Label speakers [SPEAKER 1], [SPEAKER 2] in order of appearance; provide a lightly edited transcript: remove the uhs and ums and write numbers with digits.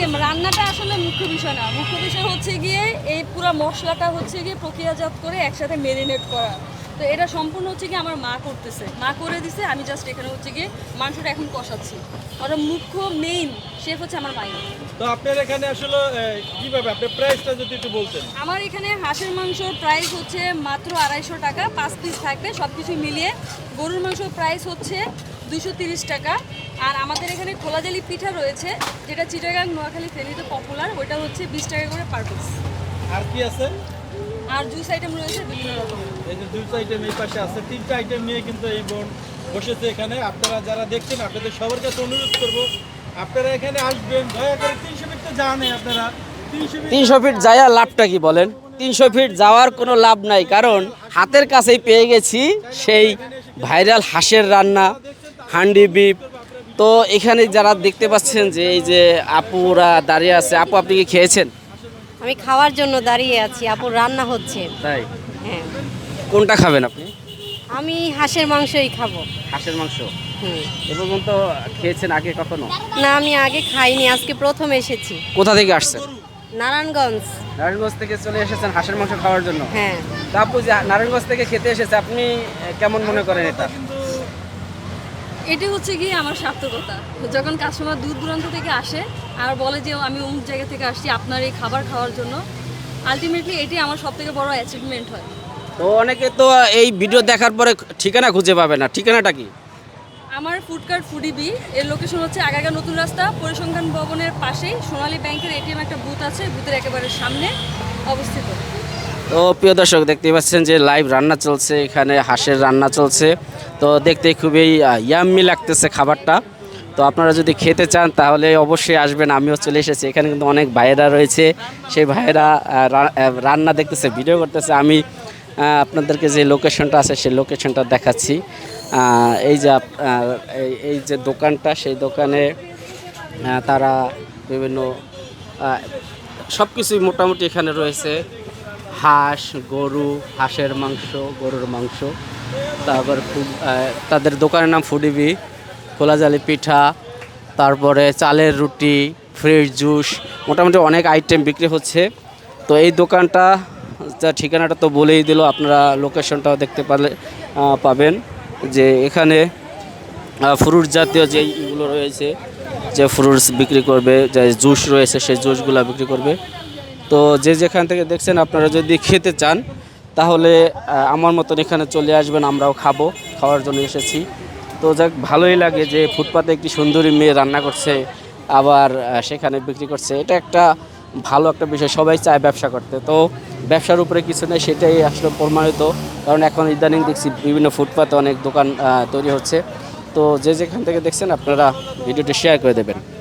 [SPEAKER 1] রান্নাটা আসলে মুখ্য বিষয় না, মুখ্য বিষয় হচ্ছে গিয়ে এই পুরো মশলাটা হচ্ছে গিয়ে প্রক্রিয়াজাত করে একসাথে মেরিনেট করা। তো এটা সম্পূর্ণ হচ্ছে গিয়ে আমার মা করতেছে, মা করে দিছে, আমি জাস্ট এখানে হচ্ছে গিয়ে মাংসটা এখন কষাচ্ছি। ওটা মুখ্য মেইন শেফ হচ্ছে আমার মাই।
[SPEAKER 2] তো আপনার এখানে আসলে কিভাবে আপনার প্রাইসটা যদি একটু বলতেন।
[SPEAKER 1] আমার এখানে হাঁসের মাংসর প্রাইস হচ্ছে মাত্র 250 টাকা, 5 পিস থাকবে সব কিছু মিলিয়ে। গরুর মাংসর প্রাইস হচ্ছে 230 টাকা। আর আমাদের এখানে খোলাজালি পিঠা রয়েছে, যেটা চিটাগাং নোয়াখালী ফেনীতে পপুলার, ওইটা হচ্ছে 20 টাকা করে পার পিস।
[SPEAKER 2] আর কি আছে?
[SPEAKER 1] আর জুস আইটেম রয়েছে বিভিন্ন রকম।
[SPEAKER 2] এই যে জুস আইটেম এই পাশে আছে, 3টা আইটেম নিয়ে কিন্তু এই বোন বসেছে এখানে। আপনারা যারা দেখছেন আপনাদের সবার কাছে অনুরোধ করব, আপনারা এখানে আসবেন দয়া করে। 300 ফিট তো জানেন আপনারা,
[SPEAKER 3] 300 ফিট যাওয়া লাভটা কি বলেন? 300 ফিট যাওয়ার কোনো লাভ নাই, কারণ হাতের কাছেই পেয়ে গেছি সেই ভাইরাল হাঁসের রান্না, হান্ডি বিফ। তো এখানে যারা দেখতে পাচ্ছেন যে এই যে আপুরা দাঁড়িয়ে আছে, আপু আপনি কি খেয়েছেন?
[SPEAKER 4] আমি খাওয়ার জন্য দাঁড়িয়ে আছি, আপুর রান্না হচ্ছে।
[SPEAKER 3] তাই?
[SPEAKER 4] হ্যাঁ,
[SPEAKER 3] কোনটা খাবেন আপনি?
[SPEAKER 4] আমি হাঁসের মাংসই খাবো।
[SPEAKER 3] হাঁসের মাংস
[SPEAKER 4] হুম।
[SPEAKER 3] এ পর্যন্ত খেয়েছেন আগে কখনো?
[SPEAKER 4] না, আমি আগে খাইনি, আজকে প্রথম এসেছি।
[SPEAKER 3] কোথা থেকে আসছেন?
[SPEAKER 4] নারায়ণগঞ্জ।
[SPEAKER 3] নারায়ণগঞ্জ থেকে চলে এসেছেন হাঁসের মাংস খাওয়ার জন্য?
[SPEAKER 4] হ্যাঁ।
[SPEAKER 3] তা আপু যে নারায়ণগঞ্জ থেকে খেতে এসেছে, আপনি কেমন মনে করেন এটা?
[SPEAKER 1] এটি হচ্ছে গিয়ে আমার সার্থকতা। যখন কাস্টমার দূর দূরান্ত থেকে আসে আর বলে যে আমি অমুক জায়গা থেকে আসছি আপনার এই খাবার খাওয়ার জন্য, আলটিমেটলি এটি আমার সবথেকে বড় অ্যাচিভমেন্ট হয়।
[SPEAKER 3] তো অনেকে তো এই ভিডিও দেখার পরে ঠিকানা খুঁজে পাবে না, ঠিকানাটা কি?
[SPEAKER 1] আমার ফুডকার্ট ফুডিবি, এর লোকেশন হচ্ছে আগারগাঁও নতুন রাস্তা, পরিসংখ্যান ভবনের পাশেই সোনালী ব্যাংকের এটিএম একটা বুথ আছে, বুথের একেবারে সামনে অবস্থিত।
[SPEAKER 3] তো প্রিয় দর্শক দেখতে পাচ্ছেন যে লাইভ রান্না চলছে, এখানে হাঁসের রান্না চলছে। তো দেখতে খুবই ইয়াম্মি লাগতেছে খাবারটা। তো আপনারা যদি খেতে চান তাহলে অবশ্যই আসবেন, আমিও চলে এসেছি। এখানে কিন্তু অনেক ভাইয়েরা রয়েছে, সেই ভাইয়েরা রান্না দেখতেছে, ভিডিও করতেছে। আমি আপনাদেরকে যে লোকেশনটা আছে সেই লোকেশনটা দেখাচ্ছি। এই যে এই যে দোকানটা, সেই দোকানে তারা বিভিন্ন সব কিছুই মোটামুটি এখানে রয়েছে। হাঁস, গরু, হাঁসের মাংস, গরুর মাংস। তারপর তাদের দোকানের নাম ফুডিবি। খোলাজালি পিঠা, তারপরে চালের রুটি, ফ্রেশ জুস, মোটামুটি অনেক আইটেম বিক্রি হচ্ছে। তো এই দোকানটা ঠিকানাটা তো বলেই দিল, আপনারা লোকেশনটাও দেখতে পাবেন যে এখানে ফ্রুট জাতীয় যে ইগুলো রয়েছে, যে ফ্রুটস বিক্রি করবে, যে জুস রয়েছে সেই জুসগুলো বিক্রি করবে। তো যে যেখান থেকে দেখছেন আপনারা যদি খেতে চান তাহলে আমার মতন এখানে চলে আসবেন, আমরাও খাওয়ার জন্য এসেছি। তো যাক, ভালোই লাগে যে ফুটপাতে একটি সুন্দরী মেয়ে রান্না করছে, আবার সেখানে বিক্রি করছে। এটা একটা ভালো একটা বিষয়, সবাই চায় ব্যবসা করতে। তো ব্যবসার উপরে কিছু নেই, সেটাই আসলে প্রমাণিত। কারণ এখন ইদানিং দেখছি বিভিন্ন ফুটপাতে অনেক দোকান তৈরি হচ্ছে। তো যে যেখান থেকে দেখছেন আপনারা ভিডিওটি শেয়ার করে দেবেন।